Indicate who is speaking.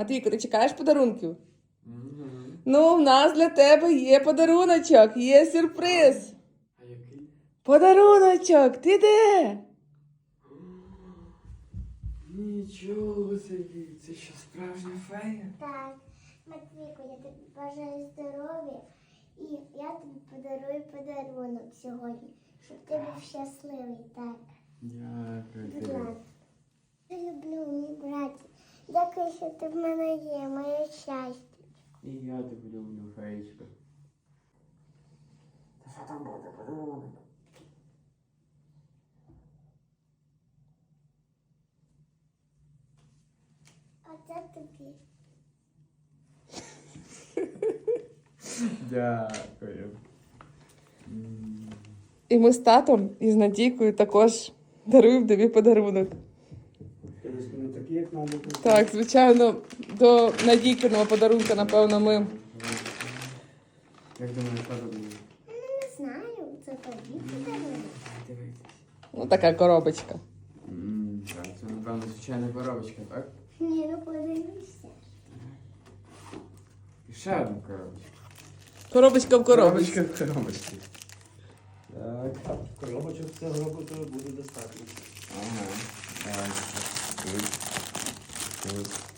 Speaker 1: Матвійко, ти чекаєш подарунків?
Speaker 2: Угу.
Speaker 1: Ну, в нас для тебе є подаруночок, є сюрприз.
Speaker 2: А який?
Speaker 1: Подаруночок, ти де?
Speaker 2: Нічого собі, це що, справжня фея?
Speaker 3: Так, Матвійко, я тобі бажаю здоров'я і я тобі подарую подарунок сьогодні, щоб ти був щасливий, так.
Speaker 2: Дякую
Speaker 3: Будь
Speaker 2: тобі.
Speaker 3: ласка. Я люблю, мій браті. Дякую, що ти в мене є, моє щастя.
Speaker 2: І я тебе люблю, феєчка. Та що там буде, подарунок?
Speaker 3: Оце тобі.
Speaker 2: Дякую.
Speaker 1: І ми з татом, і з Надійкою також даруємо тобі подарунок.
Speaker 4: Не такі, як нам будуть.
Speaker 1: Так, звичайно, до Надійкиного подарунка, напевно, ми...
Speaker 2: Як думаєш, подарунок?
Speaker 3: Не знаю, це тобі подарунок.
Speaker 2: Дивитись.
Speaker 1: Ну, така коробочка.
Speaker 2: Так, це, напевно, звичайна коробочка, так?
Speaker 3: Ні, ну подивися.
Speaker 2: І ще одна коробочка.
Speaker 1: Коробочка в коробочці.
Speaker 2: Коробочка в коробочці. Так.
Speaker 4: Коробочок цього року то буде достатньо.
Speaker 2: Ага. Так. Тут. Тут.